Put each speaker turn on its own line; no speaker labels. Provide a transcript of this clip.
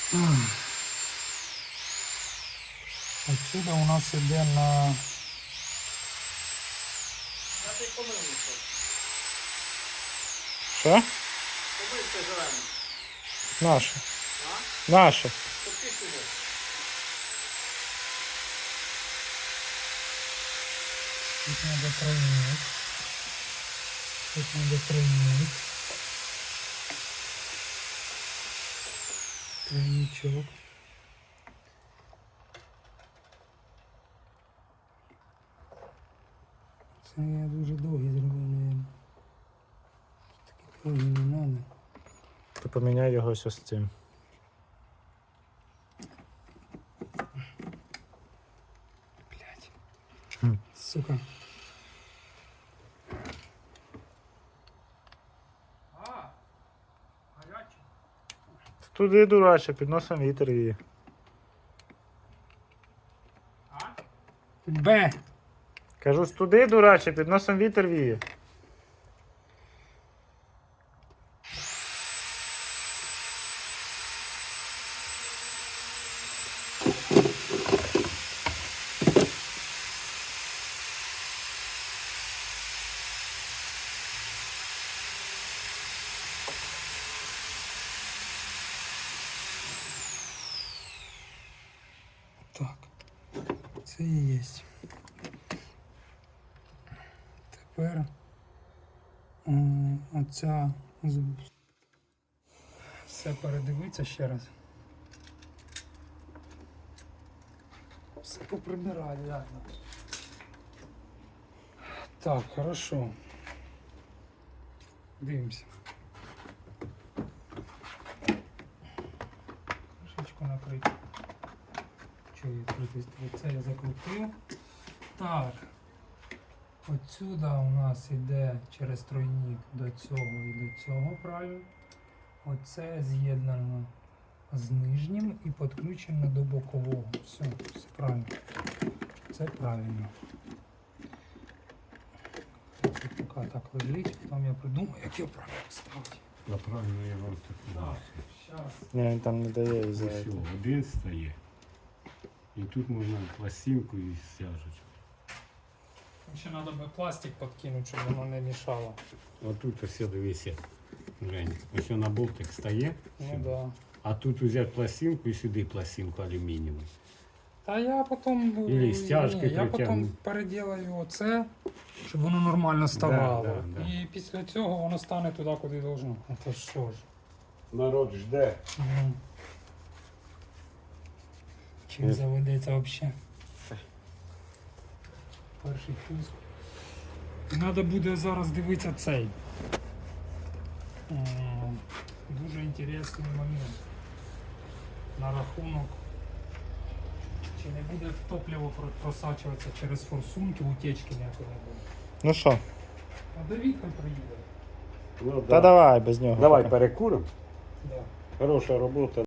Отсюда у нас іде на...
Що?
Помийте зелене.
Наше.
А?
Наше.
Щоб ти сюди.
Тут надо тройник. Тут надо тройник. Тройничок. Це я дуже довгий зробив, наверное. Такі довгі не надо.
Ти поміняй його ось з цим.
Блять.
Хм.
Сука.
Туди, дураче, під носом вітер її.
Б.
Кажу, туди, дураче, під носом вітер віє.
Так. Це і є. Тепер оця все передивиться ще раз. Все поприбираю, реально. Так, хорошо. Дивимося. Кришечку накрити. Чого відкритись? Це я закрутив. Так. Отсюда у нас іде через тройник до цього і до цього правильно. Оце з'єднано з нижнім і підключено до бокового. Все правильно. Це правильно. Це поки так лежить, потім я придумаю, як його правильно ставити.
Правильно я вам так
Так, зараз.
Ні, він там не дає і за
Ось
це.
один стає. І тут можна пластинку і стяжечку.
Ще треба би пластик підкинути, щоб воно не мішало.
Отут ось дивися. Глянь, ось на болтик стає.
Ну да.
А тут взяти пластинку і сюди пластинку алюмінієву.
Та я потім,
Ілі стяжки
я потім
притягну.
переділаю оце, щоб воно нормально ставало.
Да, да.
І після цього воно стане туди, куди должно. А то що ж.
Народ жде.
Угу. Чим заведеться взагалі? Перший пуск. Треба буде зараз дивитися цей. Дуже інтересний момент. На рахунок. Чи не буде топливо просачуватися через форсунки, утечки ніякої не буде.
Ну що?
А Давід хай приїде.
Ну,
Та давай без нього.
Давай перекуримо.
Да.
Хороша робота.